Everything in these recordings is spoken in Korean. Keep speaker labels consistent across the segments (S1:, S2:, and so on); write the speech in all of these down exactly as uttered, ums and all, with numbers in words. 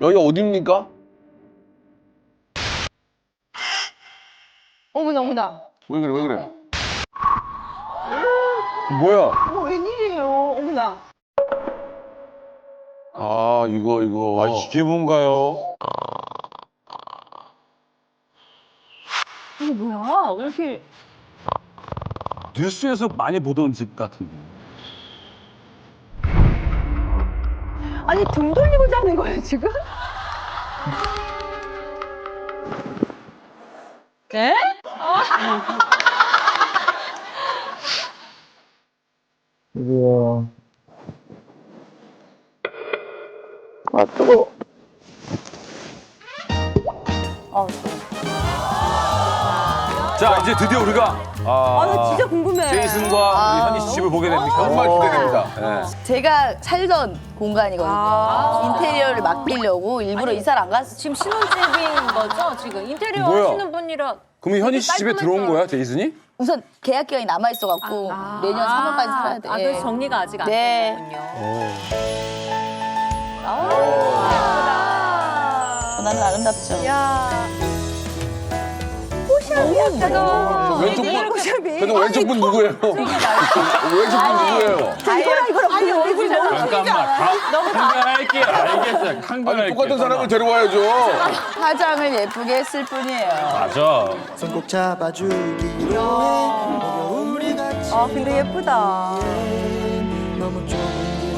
S1: 여기가 어딥니까?
S2: 어머나 어머나.
S1: 왜 그래 왜 그래? 뭐야?
S2: 어, 웬일이에요? 어머나.
S1: 아 이거 이거.
S3: 아, 이게 뭔가요?
S2: 이게 뭐야? 왜 이렇게.
S3: 뉴스에서 많이 보던 집 같은데.
S2: 아니 등 돌리고 자는 거예요 지금? 네?
S4: 우와.
S2: 아 뜨거. 아,
S3: 자, 이제 드디어 우리가 아,
S2: 아, 나 진짜 궁금해.
S3: 제이슨과 우리 현희 씨 집을 보게 됩니다.
S1: 정말 기대됩니다.
S3: 네.
S5: 제가 살던 공간이거든요.
S2: 아.
S5: 인테리어를 맡기려고 일부러 이사를 안 갔어요.
S6: 지금 신혼집인 거죠? 지금 인테리어
S3: 뭐야?
S6: 하시는 분이라.
S3: 그럼 현희 씨 집에
S6: 깔끔했어요.
S3: 들어온 거야, 제이슨이?
S5: 우선 계약 기간이 남아 있어갖고 내년 삼 월까지 살아야 돼.
S6: 아,
S5: 예.
S6: 그래서 정리가 아직 안
S5: 네.
S6: 됐군요.
S5: 전화는 아름답죠.
S2: 야. 꽃이 예쁘다.
S1: 왼쪽 분,
S2: 꽃이
S1: 저는 왼쪽 분 누구예요? 왼쪽 분 누구예요?
S2: 이거랑 이거랑 우리 얼굴이 너무
S7: 잠깐만. 한변할게요. 알겠어요.
S1: 아니
S7: 한변할게요.
S1: 똑같은 사람을 데려와야죠.
S5: 화장을 예쁘게 했을 뿐이에요.
S7: 맞아.
S4: 손 꼭 잡아주기로 해. 어려움을 같이
S2: 아 근데 예쁘다.
S4: 너무 좁은 길.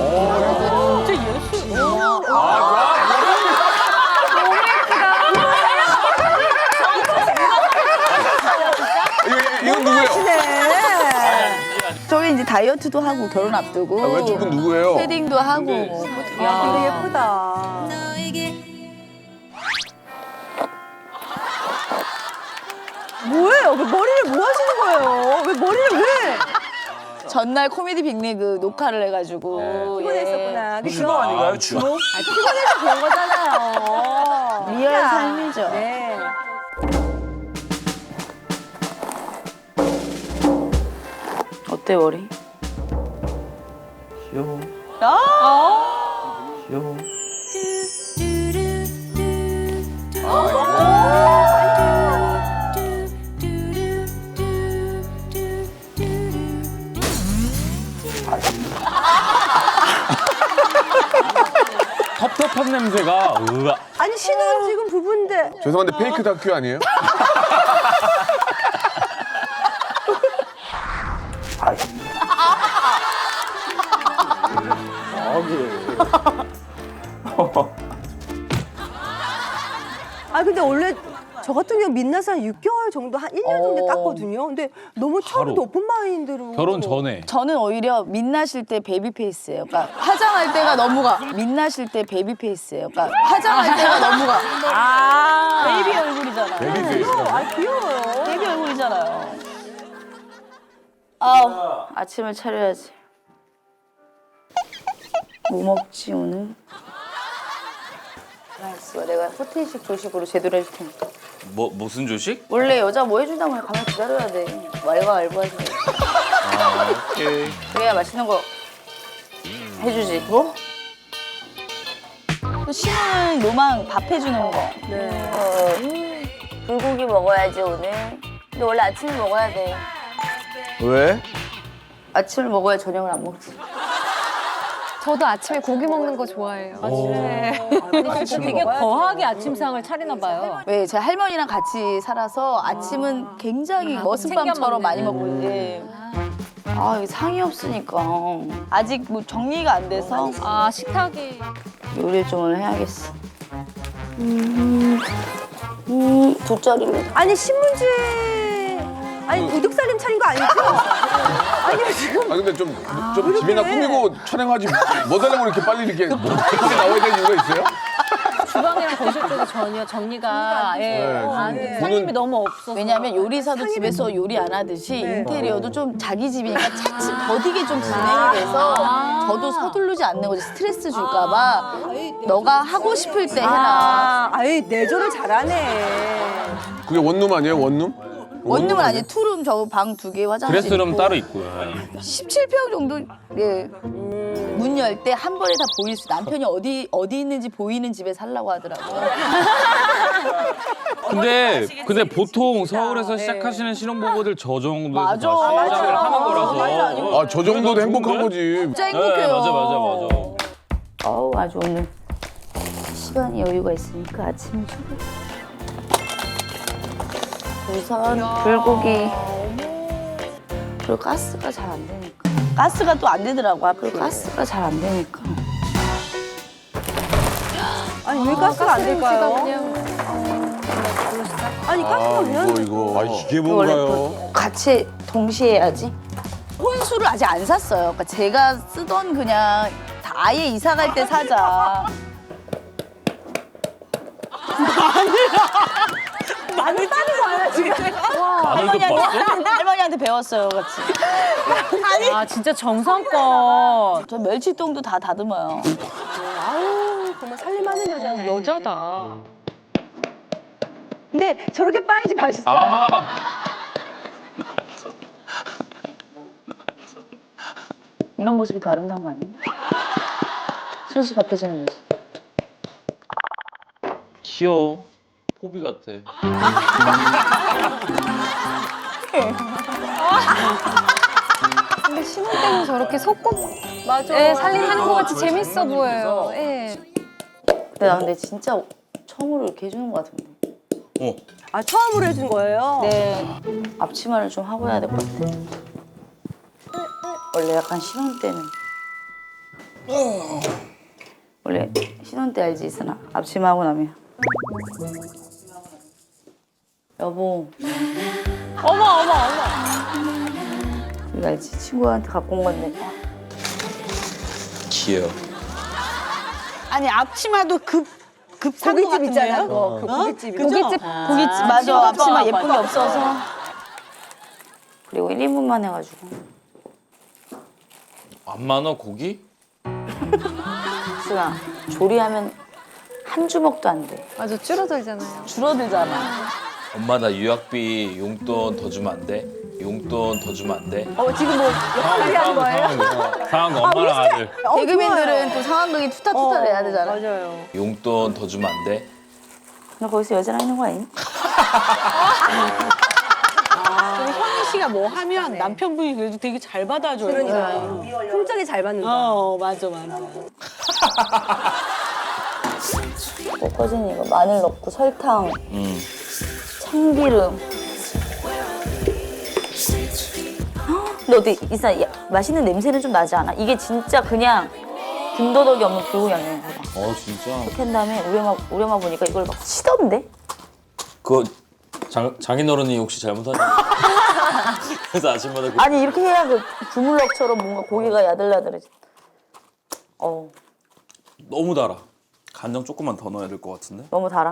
S1: 이거 이건 누구예요?
S5: 저희 이제 다이어트도 하고 결혼 앞두고
S1: 아, 왼쪽 분 누구예요?
S5: 패딩도 하고 뭐.
S2: 아 근데 예쁘다. 뭐예요? 왜 머리를 뭐 하시는 거예요? 왜 머리를 왜?
S5: 전날 코미디 빅리그 녹화를 해가지고
S2: 피곤했었구나. 그쵸?
S3: 추모 아닌가요, 추모?
S2: 아, 피곤해서 그런 거잖아요.
S5: 예. 리얼 삶이죠.
S2: 네.
S5: 어때 머리?
S4: 귀여워. 귀여워.
S7: 텁텁한 냄새가 으아.
S2: 아니 신혼 지금 부부인데.
S1: 죄송한데 페이크 다큐 아니에요?
S2: 아 근데 원래 저 같은 경우 민낯을 한 육 개월 정도 한 일 년 정도
S5: 어.
S2: 땄거든요. 근데 너무 처음부터
S7: 바로.
S2: 오픈 마인드로.
S7: 결혼 전에.
S5: 저는 오히려 민낯일 때 베이비 페이스예요. 그러니까 화장할 때가 너무가 민낯일 때 베이비 페이스예요. 그러니까 화장할 때가 너무가
S2: 아.
S5: 베이비 얼굴이잖아.
S3: 베이비 페이스라고.
S2: 아 귀여워요.
S5: 베이비 얼굴이잖아요. 아우 아침을 차려야지. 뭐 먹지 오늘? 알았어, 내가 호텔식 조식으로 제대로 해줄 테니까.
S7: 뭐 무슨 조식?
S5: 원래 여자 뭐 해준다고 하면 가만 기다려야 돼. 왈가왈부하지.
S7: 아, 오케이.
S5: 그래야 맛있는 거 해주지. 뭐? 또 신우는 로망 밥 해주는 거.
S2: 네.
S5: 어, 불고기 먹어야지 오늘. 근데 원래 아침을 먹어야 돼.
S1: 왜?
S5: 아침을 먹어야 저녁을 안 먹지.
S8: 저도 아침에 고기 먹는 거 좋아해요.
S6: 근데 진짜 되게 거하게 아침상을 차리나 봐요.
S5: 왜 제 할머니랑 같이 살아서 아침은 굉장히 머슴밤처럼 많이 먹고 이제 아 이게 상이 없으니까 아직 뭐 정리가 안 돼서
S6: 아, 식탁이.
S5: 요리를 좀 오늘 해야겠어. 음, 음 돗자리로.
S2: 아니 신문지. 아니 우뚝살림 차린 거 아니죠? 아니 지금.
S1: 아 근데 좀, 좀 집이나 꾸미고 촬영하지 뭐 달라고 이렇게 빨리 이렇게 이렇게 나와야 되는 이유가 있어요?
S6: 주방이랑 거실 쪽이 전혀 정리가. 예.
S1: 네,
S6: 아,
S1: 보는-
S6: 손님이 너무 없어서.
S5: 왜냐면 요리사도 집에서 요리 안 하듯이
S2: 네.
S5: 인테리어도 좀 자기 집이니까 차츰 더디게 좀 진행이 돼서 저도 서두르지 않는 거지 스트레스 줄까 봐 너가 하고 싶을 때 해라.
S2: 아, 아이 내조를 잘하네.
S1: 그게 원룸 아니에요 원룸?
S5: 원룸은 아니에요. 투룸 저 방 두 개 화장실
S7: 드레스룸
S5: 있고
S7: 따로 있고요.
S5: 십칠 평 정도 예.
S2: 음.
S5: 문 열 때 한 번에 다 보일 수. 남편이 어디 어디 있는지 보이는 집에 살라고 하더라고요.
S7: 근데 근데 보통 서울에서 시작하시는 신혼부부들 저 정도에서
S5: 맞아.
S7: 다 시작을
S5: 맞아.
S7: 하는 거라서.
S5: 맞아.
S1: 아, 저 정도도 행복한 거지.
S5: 진짜
S7: 네,
S5: 행복해요.
S7: 맞아 맞아 맞아.
S5: 어우 아주 오늘 시간이 여유가 있으니까 아침 주고. 우선 불고기. 그리고 가스가 잘 안 되니까. 가스가 또 안 되더라고. 그리고 가스가 잘 안 되니까.
S2: 아니 왜 가스가 안 될까요?
S8: 그냥
S2: 아니 가스가
S1: 아,
S2: 왜 안
S1: 이거,
S2: 돼?
S1: 이거. 아,
S3: 이게
S5: 원래 그 같이 동시에 해야지. 혼수를 아직 안 샀어요. 그러니까 제가 쓰던 그냥 다 아예 이사 갈 때 사자.
S2: 마늘 따는 거야 지금.
S7: 마늘도 봤어?
S5: 할머니한테 배웠어요, 같이.
S6: 아 진짜 정성껏.
S5: 저 멸치똥도 다 다듬어요.
S2: 아우 정말 살림하는 여자.
S6: 여자다.
S2: 근데 저렇게 빠이지 맛있어.
S1: 아,
S5: 이런 모습이 더 아름다운 거 아니에요? 순수 바뀌어지는 모습.
S7: 귀여워. 포비 같아.
S8: 근데 신혼 때는 저렇게 속고 맞아. 예, 살림하는 거 같이 재밌어 보여요. 예.
S5: 근데 나 근데 진짜 처음으로 이렇게 해주는 거 같은데.
S7: 어.
S2: 아 처음으로 해준 거예요?
S5: 네. 앞치마를 좀 하고 해야 될 것 같아. 원래 약간 신혼 때는 원래 신혼 때 알지 있으나 앞치마 하고 나면 여보
S6: 어머 어머 어머.
S5: 이거 알지? 친구한테 갖고 온 건데
S7: 귀여워.
S9: 아니 앞치마도 급 급산 거
S2: 고깃집
S9: 같은데요?
S2: 있잖아. 그거. 그 고깃집.
S9: 그죠?
S8: 고깃집
S5: 고깃집 맞아 앞치마 예쁜 게 없어서 그리고 일 인분만 해가지고
S7: 안 많아 고기?
S5: 수아 조리하면 한 주먹도 안 돼.
S8: 맞아 줄어들잖아요.
S5: 줄어들잖아.
S7: 엄마 나 유학비 용돈 더 주면 안 돼? 용돈 더 주면 안 돼?
S2: 어 지금 뭐 역할이 한 거예요?
S7: 상황 엄마랑 아들.
S2: 어,
S5: 개그맨들은
S2: 좋아요.
S5: 또 상황극이 투타투타 내야 되잖아.
S2: 맞아요.
S7: 용돈 더 주면 안 돼?
S5: 너 거기서 여자랑 있는 거 아니니?
S9: 그리고 현희 씨가 뭐 하면 남편분이 그래도 되게 잘 받아줘요.
S2: 그러니까 흠짝이 잘 받는다.
S9: 어 맞아 맞아.
S5: 볶아진 이거 마늘 넣고 설탕,
S7: 응.
S5: 참기름. 헉, 근데 어때 이사 야, 맛있는 냄새는 좀 나지 않아? 이게 진짜 그냥 군더더기 없는 불고 양념이야.
S7: 어 진짜.
S5: 이렇게 한 다음에 우리 엄마 우리 엄마 보니까 이걸 막 치던데?
S7: 그거 장 장인어른이 혹시 잘못한? 그래서 아침마다 그
S5: 아니 이렇게 해야 그 주물럭처럼 뭔가 고기가 야들야들해지. 어
S7: 너무 달아. 간장 조금만 더 넣어야 될 것 같은데?
S5: 너무 달아.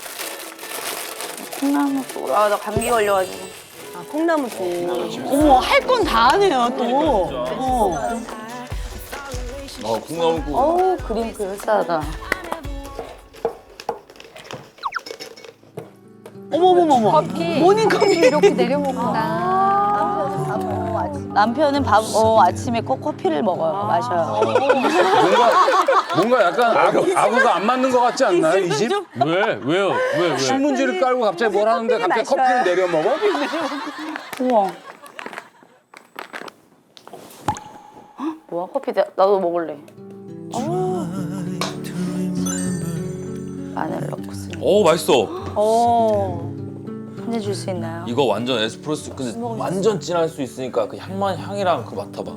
S5: 콩나물 국. 아나 감기 걸려가지고.
S2: 아, 콩나물 국.
S9: 어머 할 건 다 하네요 또. 어.
S7: 어 콩나물국.
S5: 어우 그림 그럴싸하다.
S9: 어머머머머.
S8: 커피
S9: 모닝커피.
S8: 이렇게 내려 먹는다.
S5: 남편은 밥 어, 아침에 꼭 커피를 먹어요. 마셔요.
S3: 뭔가 뭔가 약간 아구, 아구가 안 맞는 것 같지 않나요 이 집?
S7: 왜? 왜요? 왜 왜?
S3: 신문지를 깔고 갑자기 뭘 하는데 갑자기 커피를 내려 먹어?
S5: 우와. 헉, 뭐야 커피 나, 나도 먹을래. 마늘 넣고 쓰.
S7: 오 맛있어.
S2: 어.
S5: 한잔 줄 수 있나요?
S7: 이거 완전 에스프레소 근데 완전 진할 수 있으니까 그 향만 향이랑 그거 맡아봐.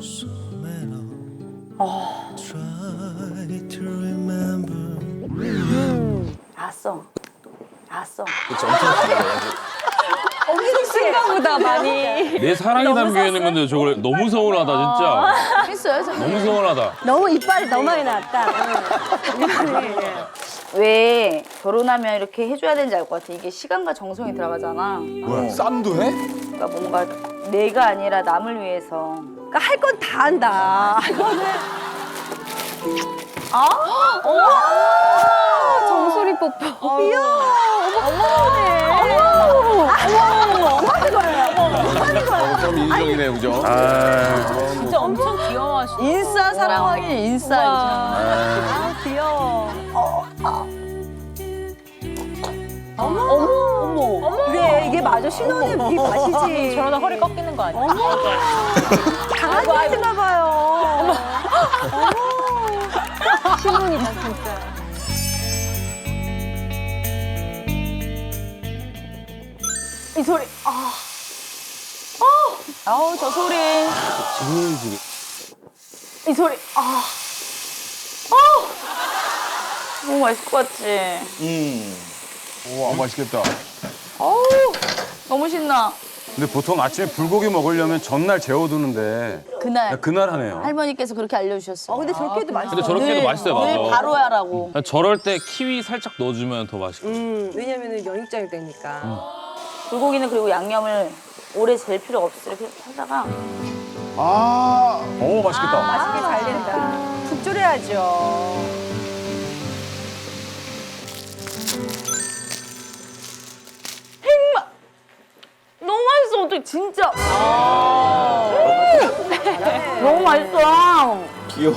S5: 알았어. 알았어.
S7: 그치 엄청 달아.
S8: 쓴가 보다 많이.
S7: 내 사랑이 담겨 있는 건데 저걸 너무 서운하다 진짜.
S5: 했어요, 저.
S7: 너무 서운하다.
S2: 너무 이빨이 너무 많이 나왔다.
S5: 왜 결혼하면 이렇게 해줘야 되는지 알 것 같아. 이게 시간과 정성이 들어가잖아.
S1: 뭐야, 쌈도 해?
S5: 그러니까 뭔가 내가 아니라 남을 위해서.
S2: 그러니까 할 건 다 한다. 이거는
S8: 정수리 뽀뽀.
S2: 어머 어머 어머 어머 어머 어머 어머 어머 거야.
S1: 좀 인정이네, 그죠?
S6: 진짜 엄청 귀여워하시고.
S5: 인싸 사랑하기 인싸.
S2: 아, 귀여워. 어머, 어머, 어머. 그래, 이게 맞아. 신혼의 이 맛이지.
S6: 저러다 허리 꺾이는 거 아니야?
S2: 어머. 강아지 같은가 봐요. 어머. 어머. 신혼이다, 진짜.
S5: 이 소리. 아. 어. 아우 저 소리. 이 소리. 아. 어. 너무 맛있을 것 같지.
S1: 우와, 맛있겠다.
S5: 어우 너무 신나.
S3: 근데 보통 아침에 불고기 먹으려면 전날 재워두는데
S5: 그날
S3: 그날 하네요.
S5: 할머니께서 그렇게 알려주셨어요.
S2: 어, 근데 저렇게 해도 맛있어.
S7: 근데 저렇게 해도 맛있어요,
S5: 늘
S7: 맞아.
S5: 바로 하라고.
S7: 저럴 때 키위 살짝 넣어주면 더 맛있고.
S2: 음, 왜냐면은 연육장이 되니까.
S5: 불고기는 그리고 양념을 오래 잴 필요 없이 이렇게 하다가
S1: 아,
S3: 오 맛있겠다.
S2: 맛있게 잘 된다. 푹 졸여야죠.
S5: 너무 맛있어 어떻게 진짜. 음! 너무 맛있어.
S4: 귀여워.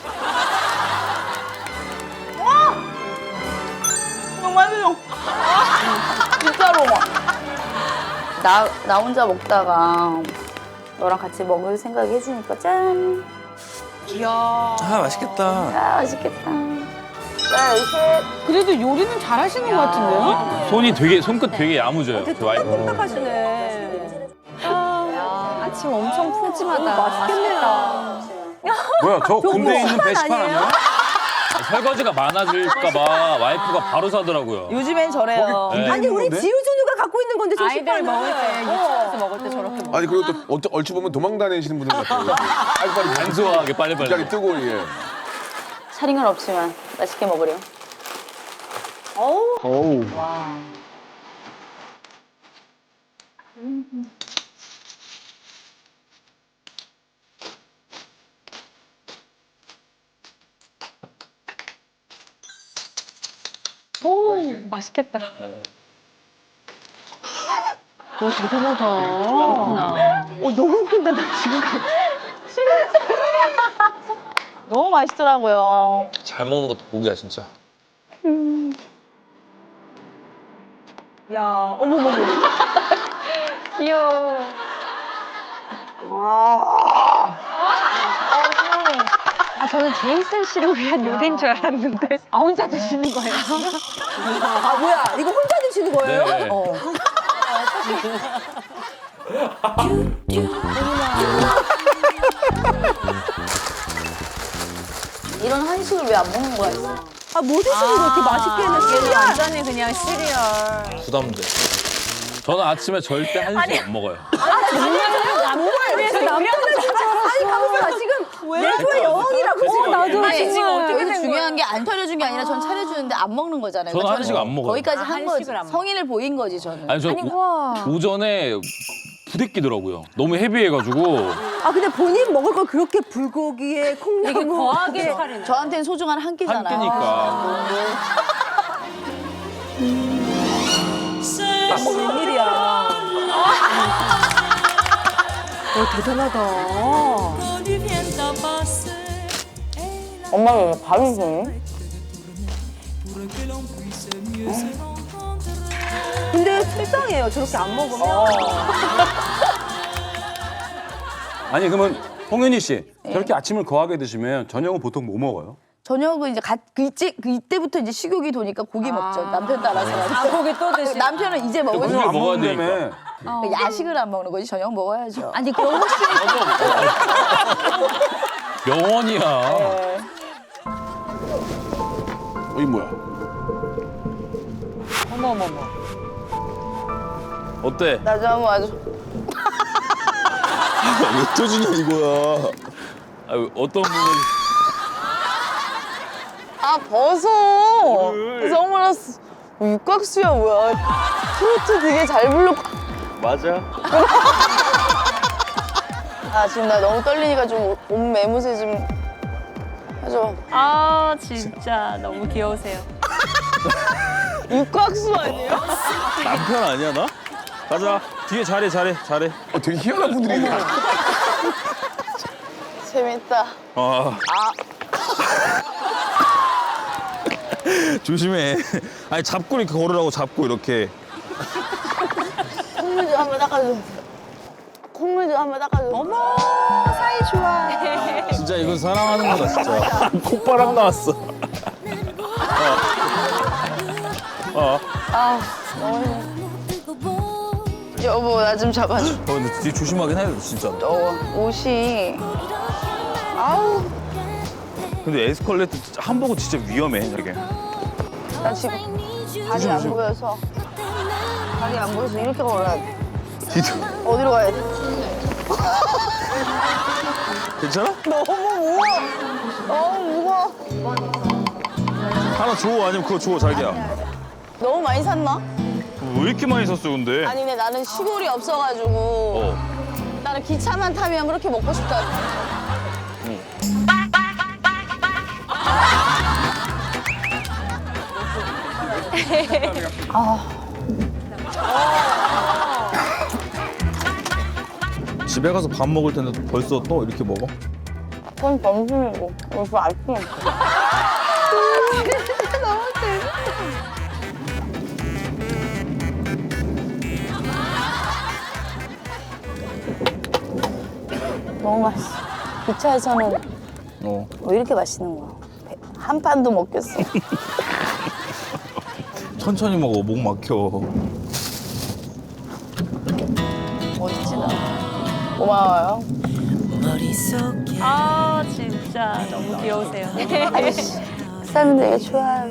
S5: 너무 맛있어. 진짜로. 나, 나 혼자 먹다가 너랑 같이 먹을 생각 해주니까 짠.
S4: 아 맛있겠다.
S5: 아, 맛있겠다. 자, 이렇게.
S9: 그래도 요리는 잘하시는 것 같은데요?
S7: 손이 되게, 손끝 되게 야무져요. 그 와이프.
S2: 생각하시네.
S8: 아침 엄청 푸짐하다.
S2: 맛있겠네요.
S3: 뭐야 저 군대에 있는 배식판 아니야?
S7: 설거지가 많아질까봐 와이프가 바로 사더라고요.
S5: 요즘엔 저래요.
S7: 네.
S2: 아니, 우리
S3: 건데?
S2: 지우준우가 갖고 있는 건데, 저
S6: 아이들
S2: 식판은.
S6: 먹을 때,
S2: 어.
S6: 유치원에서 먹을 때 저렇게 먹어.
S1: 아니, 그리고 또 어쩌- 얼추 보면 도망 다니시는 분들 같아요. 빨리빨리
S7: 간소하게 빨리빨리.
S1: 갑자기 뜨고, 예.
S5: 차린 없지만 맛있게 먹으렴.
S1: 어우.
S8: 오, 맛있겠다.
S9: 오 대단하다.
S2: 어, 너무 웃긴다, 나 지금.
S5: 너무 맛있더라고요.
S7: 잘 먹는 것도 고기야, 진짜.
S2: 야, 어머머머.
S8: 귀여워. 아, 저는 제이슨 씨를 위한 요리인 줄 알았는데. 아, 혼자 드시는 거예요?
S2: 아, 뭐야. 이거 혼자 드시는 거예요?
S7: 네.
S2: 어.
S5: 이런 한식을 왜 안 먹는 거야?
S2: 아, 뭐 드시는 거 이렇게 맛있게 해놨어요?
S6: 완전히 그냥 시리얼.
S7: 부담돼. 저는 아침에 절대 한식 안 먹어요.
S2: 그래서 남편을 아니, 가만있어. 지금 내조의 여왕이라고 지금 나도.
S5: 아니,
S6: 지금 어떻게
S5: 여기
S6: 된
S5: 중요한 게 안 차려준 게 아니라 전 차려주는데 안 먹는 거잖아요.
S7: 저는
S5: 그러니까
S7: 한식 안 먹어요.
S5: 거기까지
S6: 아,
S5: 한 거지.
S6: 한식을 안 먹어.
S5: 성인을 보인 거지 저는.
S7: 아니, 저 오, 오전에 부대끼더라고요. 너무 헤비해가지고.
S2: 아, 근데 본인 먹을 걸 그렇게 불고기에 콩나물.
S6: 이게 거하게 차리네.
S5: 저한테는 소중한 한 끼잖아요.
S7: 한 끼니까.
S2: 웬일이야. 어, 대단하다.
S5: 엄마가 왜 밥을 주니?
S2: 근데 속상해요. 저렇게 안 먹으면.
S3: 아니 그러면 홍현희 씨 저렇게 아침을 거하게 드시면 저녁은 보통 뭐 먹어요?
S5: 저녁은 이제 갓, 그 이제 그 이때부터 이제 식욕이 도니까 고기 먹죠. 남편 따라서.
S6: 아, 고기 또 드시고.
S5: 남편은 이제 먹을 수
S7: 고기를
S3: 안
S7: 먹어야
S3: 먹는다며.
S5: 그러니까 야식을 안 먹는 거지. 저녁 먹어야죠.
S8: 아니, 그럼 혹시
S7: 명언이야.
S1: 어, 이 뭐야?
S6: 어머머머.
S7: 어때?
S5: 나 좀 아주
S4: 왜 터지냐 이거야.
S7: 아, 어떤 부분이.
S5: 아 벗어. 선글라스. 육각수야 뭐야. 트로트 되게 잘 불렀고.
S4: 맞아.
S5: 아 지금 나 너무 떨리니까 좀 몸 매무새 좀 해줘.
S6: 아, 진짜 너무 귀여우세요.
S5: 육각수 아니에요?
S4: 남편 아니야 나? 가자.
S3: 뒤에 잘해 잘해 잘해.
S1: 어, 되게 희한한 분들이네.
S5: 재밌다.
S3: 아. 조심해. 아니 잡고 이렇게 걸으라고 잡고 이렇게.
S5: 콧물 좀 한번 닦아줘. 콧물 좀 한번 닦아줘. 어머, 사이 좋아.
S3: 진짜 이건 사랑하는 거다 진짜. 콧바람 나왔어. 어.
S5: 아, 너무 힘들어. 여보, 나 좀 잡아줘.
S3: 어, 근데 뒤에 조심하긴 해야 돼 진짜.
S5: 더워. 옷이. 아우,
S3: 근데 에스컬레이터 한복은 진짜 위험해 되게.
S5: 나 지금 발이 안 보여서. 발이 안 보여서 이렇게 걸어야 돼. 어디로 가야 돼?
S3: 괜찮아?
S5: 너무 무거워. 너무 무거워.
S3: 하나 줘 아니면 그거 줘 자기야.
S5: 너무 많이 샀나?
S3: 왜 이렇게 많이 샀어 근데?
S5: 아니, 근데 나는 시골이 없어가지고.
S3: 어.
S5: 나는 기차만 타면 그렇게 먹고 싶다.
S3: 집에 가서 밥 먹을 텐데 벌써 또 이렇게 먹어?
S5: 그건 점심이고. 벌써 아침. 너무 맛있어. 기차에서는
S3: 어.
S5: 왜 이렇게 맛있는 거야? 배- 한 판도 먹겠어.
S3: 천천히 먹어 목 막혀.
S5: 멋있지 나. 고마워요.
S6: 아 진짜 너무 귀여우세요.
S5: 아이씨, 그 사람이 되게 좋아요.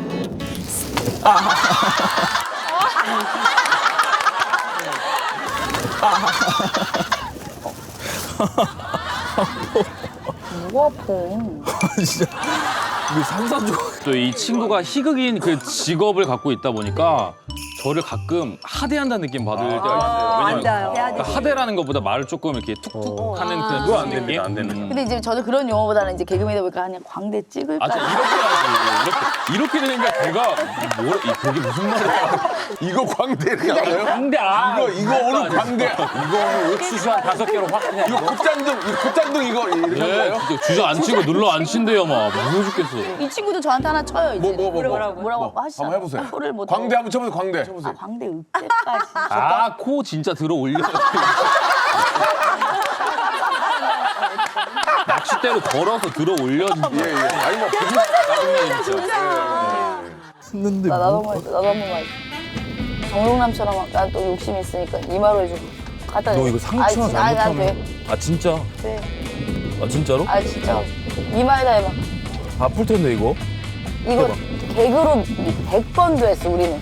S5: 뭐가 아파?
S3: 진짜 이게 산산조각.
S10: 또 이 친구가 희극인 그 직업을 갖고 있다 보니까 저를 가끔 하대한다는 느낌 받을 때가 있어요. 왜냐면 그러니까 하대라는 것보다 말을 조금 이렇게 툭툭 하는 그런
S3: 그거 안
S10: 느낌?
S3: 됩니다, 안 됩니다.
S10: 음.
S5: 근데 이제 저도 그런 용어보다는 이제 개그맨이다 보니까 그냥 광대 찍을까?
S10: 아, 진짜 이렇게 하지. 이렇게, 이렇게 되니까 걔가 뭐라, 이- 그게 무슨 말이야.
S1: 이거 광대 이렇게 알아요?
S10: 광대, 아.
S1: 이거 이거 오늘 광대.
S10: 이거 오늘 옥수수 한 다섯 개로 확 그냥.
S1: 이거 콧잔등 이거 콧잔등 이거 이렇게 한
S10: 네,
S1: 거예요?
S10: 진짜 주저 안 치고 눌러 안 친대요, 막. 무서워 죽겠어.
S5: 이 친구도 저한테 하나 쳐요 이제.
S1: 뭐 뭐 뭐 뭐,
S5: 뭐라고 뭐라고
S1: 뭐,
S5: 하시잖아.
S1: 한번 해보세요.
S5: 코를 못
S1: 광대 한번 쳐보세요. 광대.
S5: 아, 광대 으깨까지.
S10: 아, 코 진짜 들어 올려. 낚싯대로 걸어서 들어 올려.
S1: 예 예. 아니 뭐
S3: 했는데
S5: 나 나도 한번 해줘. 나도 한번 해줘. 정룡남처럼 난 또 욕심 있으니까 이마로 해줘. 갖다 대.
S3: 너 이거 상처
S5: 아니, 아니, 난
S3: 잘못하면.
S5: 돼.
S3: 아 진짜?
S5: 돼.
S3: 아 진짜로?
S5: 아 진짜. 이마에다 해봐.
S3: 아플 텐데 이거.
S5: 이거
S3: 해봐.
S5: 개그로 백 번도 했어 우리는.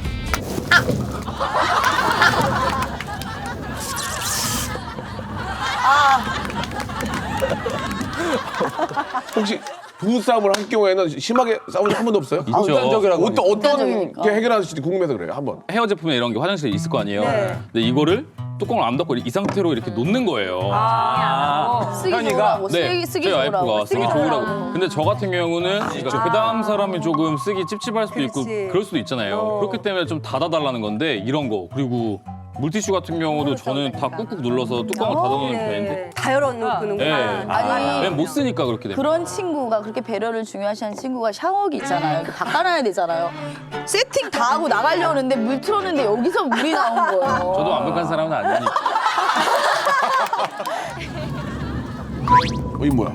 S1: 혹시 부부 싸움을 할 경우에는 심하게 싸운 적 한 번도 없어요?
S10: 있죠.
S1: 어떤 어떤
S5: 극단적이니까.
S1: 게 해결하실지 궁금해서 그래요. 한번.
S10: 헤어 제품에 이런 게 화장실에 있을 거 아니에요. 근데 이거를 뚜껑을 안 닫고 이 상태로 이렇게 놓는 거예요.
S5: 쓰기
S10: 현이가?
S5: 좋으라고.
S10: 네,
S5: 쓰기 쓰기
S10: 저희 와이프가
S5: 좋으라고.
S10: 쓰기 좋으라고. 근데 저 같은 경우는 그 다음 사람이 조금 쓰기 찝찝할 수도 있고 그럴 수도 있잖아요. 그렇기 때문에 좀 닫아달라는 건데 이런 거 그리고 물티슈 같은 경우도 저는 다 꾹꾹 눌러서 뚜껑을 닫아놓는 편인데
S2: 다 열어놓는구나.
S10: 네.
S5: 아니
S10: 왜냐면 못 쓰니까 그렇게 돼요.
S5: 그런 친구가 그렇게 배려를 중요시하는 친구가 샤워기 있잖아요. 이렇게 닦아놔야 되잖아요. 세팅 다 하고 나가려고 하는데 물 틀었는데 여기서 물이 나온 거예요.
S10: 저도 완벽한 사람은 아니니까.
S1: 어, 이 뭐야?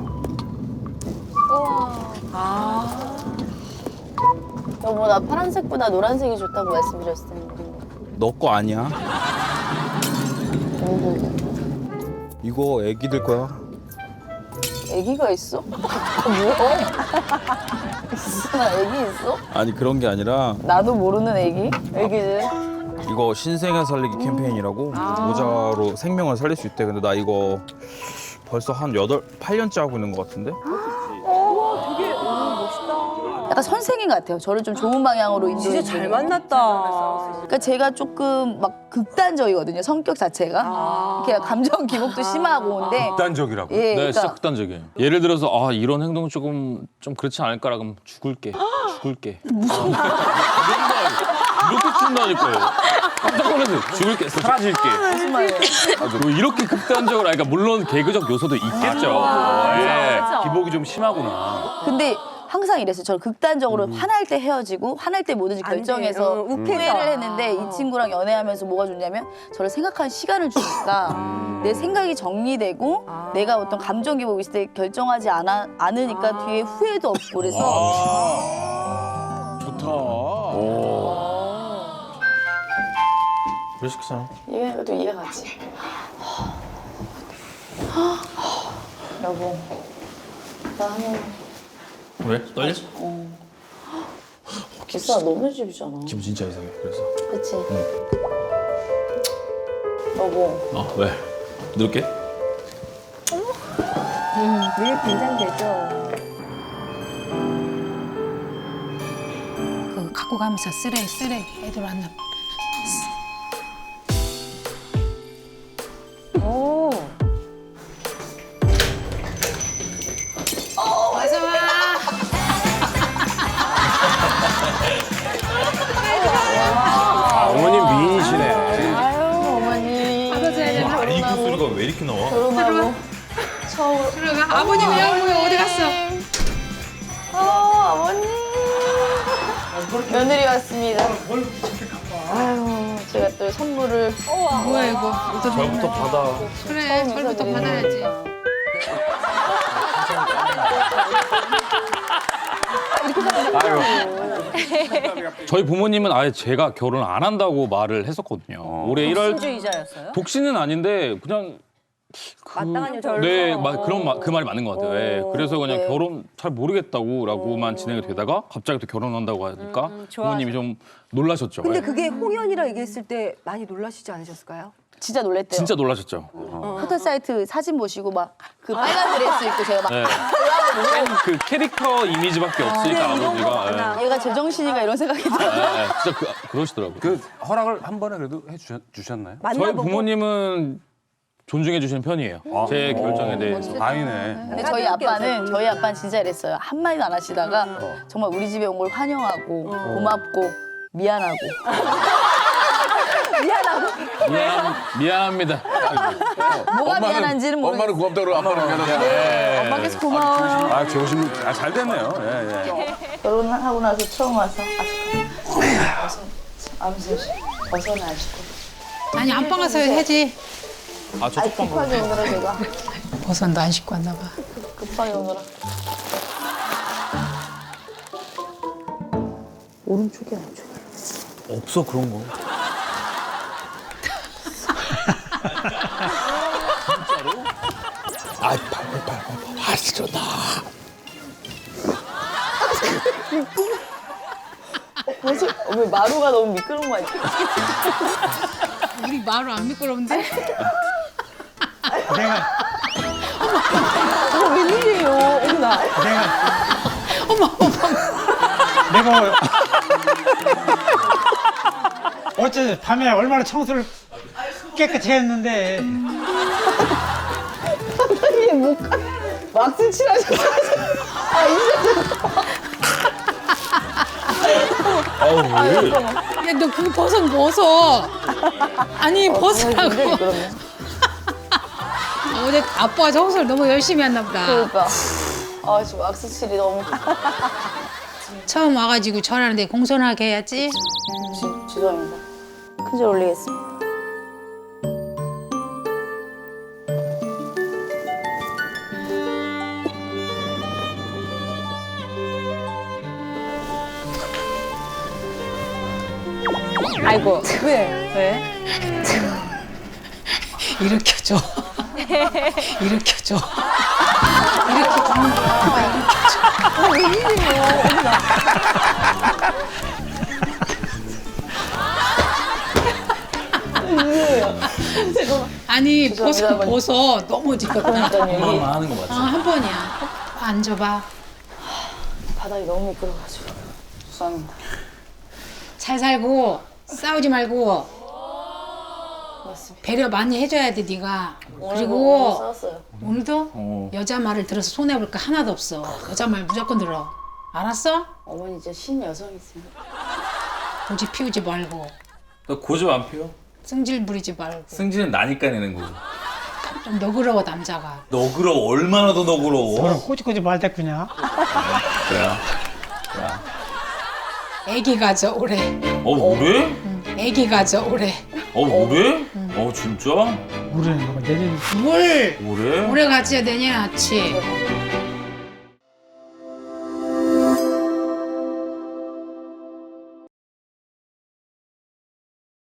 S5: 여보 나 파란색보다 노란색이 좋다고 말씀드렸을 텐데.
S3: 너 거 아니야? 이거 애기들 거야.
S5: 애기가 있어? 뭐야? 있어? 애기 있어?
S3: 아니 그런 게 아니라
S5: 나도 모르는 애기? 애기들?
S3: 이거 신생아 살리기 캠페인이라고 모자로 생명을 살릴 수 있대. 근데 나 이거 벌써 한 여덟, 팔 년째 하고 있는 것 같은데?
S5: 약간 선생님 같아요. 저를 좀 좋은 방향으로 인도해
S2: 진짜 잘 만났다.
S5: 그러니까 제가 조금 막 극단적이거든요. 성격 자체가. 이렇게 감정 기복도 심하고 근데
S3: 극단적이라고.
S5: 예,
S10: 네,
S5: 그러니까
S10: 진짜 극단적이에요. 예를 들어서 아 이런 행동 조금 좀 그렇지 않을까라 그럼 죽을게, 죽을게. 무슨 이런 거 이렇게 친다니까요. 깜짝 놀라서 죽을게, 사라질게.
S5: 무슨 말이에요?
S10: 뭐 이렇게 극단적으로, 아니, 그러니까 물론 개그적 요소도 있겠죠. 예.
S7: 기복이 좀 심하구나.
S5: 근데 항상 이랬어요. 저는 극단적으로 화날 때 헤어지고 화날 때 뭐든지 결정해서
S2: 어, 욱해서.
S5: 후회를 했는데 이 친구랑 연애하면서 뭐가 좋냐면 저를 생각하는 시간을 주니까 내 생각이 정리되고 내가 어떤 감정 기복이 있을 때 결정하지 않아, 않으니까 뒤에 후회도 없고 그래서
S1: 좋다.
S3: 왜 시키잖아.
S5: 이해가 또 이해가 가지. 여보, 나 한번
S3: 왜? 떨려?
S5: 기사 너무 집이잖아.
S3: 기분 진짜 이상해. 그래서.
S5: 그치? 여보.
S3: 어 왜? 누를게.
S2: 늘 긴장되죠.
S11: 그 갖고 가면서 쓰레 쓰레 애들 왔나.
S2: 오.
S11: 어서 와.
S1: 아, 어머님 미인이시네.
S5: 아유, 어머니.
S11: 받아줘야 되나?
S3: 아, 이 소리가 왜 이렇게 나와?
S5: 결혼하고 처음.
S11: 들어가. 아버님 왜 어디 갔어?
S5: 어, 어머니. 며느리 왔습니다. 아유, 제가 또 선물을.
S11: 뭐야 이거?
S3: 저부터 받아.
S11: 그래 절부터 받아야지.
S10: 저희 부모님은 아예 제가 결혼 안 한다고 말을 했었거든요. 올해 일월
S2: 신주의자였어요?
S10: 독신은 아닌데 그냥 그,
S2: 마땅한 여자를
S10: 네,
S2: 서.
S10: 막 그런 말, 그 말이 맞는 것 같아요. 예. 그래서 그냥
S5: 네.
S10: 결혼 잘 모르겠다고라고만 진행이 되다가 갑자기 또 결혼한다고 하니까
S2: 음,
S10: 부모님이 좀 놀라셨죠.
S2: 근데
S10: 예.
S2: 그게 홍연이라 얘기했을 때 많이 놀라시지 않으셨을까요?
S5: 진짜 놀랬대요.
S10: 진짜 놀라셨죠.
S5: 포털 사이트 사진 보시고 막 그 빨간 드레스 입고 제가 막
S10: 네. 그 캐릭터 이미지밖에 없으니까 아버지가. 예.
S5: 얘가 제정신이가 이런 생각이 들어요.
S10: 예, 예. 진짜 그, 그러시더라고요.
S1: 그 허락을 한 번에 그래도 해 주셨나요?
S10: 저희
S2: 만나보고.
S10: 부모님은 존중해 주시는 편이에요. 제 결정에 대해서.
S1: 다행이네.
S5: 근데 저희 아빠는 저희 아빠는 진짜 이랬어요. 한 마디도 안 하시다가 정말 우리 집에 온 걸 환영하고 고맙고 미안하고
S10: 미안, 미안합니다.
S5: 뭐가 미안한지는 모르겠어요.
S1: 엄마는 고맙다고 그러고 아빠는 미안하다.
S5: 네, 엄마께서 고마워요.
S1: 아, 조심. 아, 잘 됐네요. 예, 예.
S5: 결혼하고 나서 처음 와서 아 잠깐 아무튼 벗어나 아직도
S11: 아니 안방 가서 해야지.
S3: 아, 저
S5: 아이 급하게 오느라 제가
S11: 버선도 안 씻고 왔나 봐.
S5: 급하게 오느라 오른쪽에 왼쪽에
S3: 없어 그런 거. 진짜로? 아, 팔팔팔팔. 아, 진짜 나.
S5: 무슨 어, 왜 마루가 너무 미끄러운 거 아니야?
S11: 우리 마루 안 미끄러운데?
S2: 어머 웬일이에요? 어머나.
S12: 내가 어째 밤에 얼마나 청소를 깨끗이 했는데
S5: 선생님 목 왁스 칠하셨어요. 아 이제
S11: 야 너 그거 버선 벗어. 아니 벗으라고.
S5: 그러면
S11: 아, 어제 아빠가 청소를 너무 열심히 했나 보다.
S5: 그러니까 아 지금 왁스 칠이 너무
S11: 처음 와가지고 전화하는데 공손하게 해야지.
S5: 지, 죄송합니다. 큰절 올리겠습니다.
S2: 아이고 왜? 왜?
S11: 일으켜줘. 일으켜줘. 이렇게 걷는 거야. 일으켜줘.
S2: 아 웬일이에요? 어머나.
S11: 아니 벗어
S5: 죄송합니다,
S11: 벗어 너무 지겹다.
S10: 엄마만 하는 거 맞지?
S11: 아, 한 번이야. 앉아봐.
S5: 바닥이 너무 미끄러워가지고 죄송합니다.
S11: 잘 살고 싸우지 말고
S5: 맞습니다.
S11: 배려 많이 해줘야 돼 네가.
S5: 오늘
S11: 그리고
S5: 싸웠어요.
S11: 오늘도 여자 말을 들어서 손해 볼 거 하나도 없어. 여자 말 무조건 들어. 알았어?
S5: 어머니 진짜 신 여성이세요.
S11: 고집 피우지 말고
S10: 너 고집 안 피워?
S11: 승질 부리지 말고
S10: 승질은 나니까 내는 거고.
S11: 좀 너그러워 남자가.
S10: 너그러워. 얼마나 더 너그러워.
S12: 서로 꼬집꼬집 말대꾸냐?
S10: 그래야.
S11: 애기 가져 올해.
S10: 어 그래?
S11: 응. 애기 가져 올해.
S10: 어 그래? 어 진짜?
S12: 우리는 뭐 내년
S11: 뭘
S10: 올해?
S11: 올해 가져야 되냐 아치.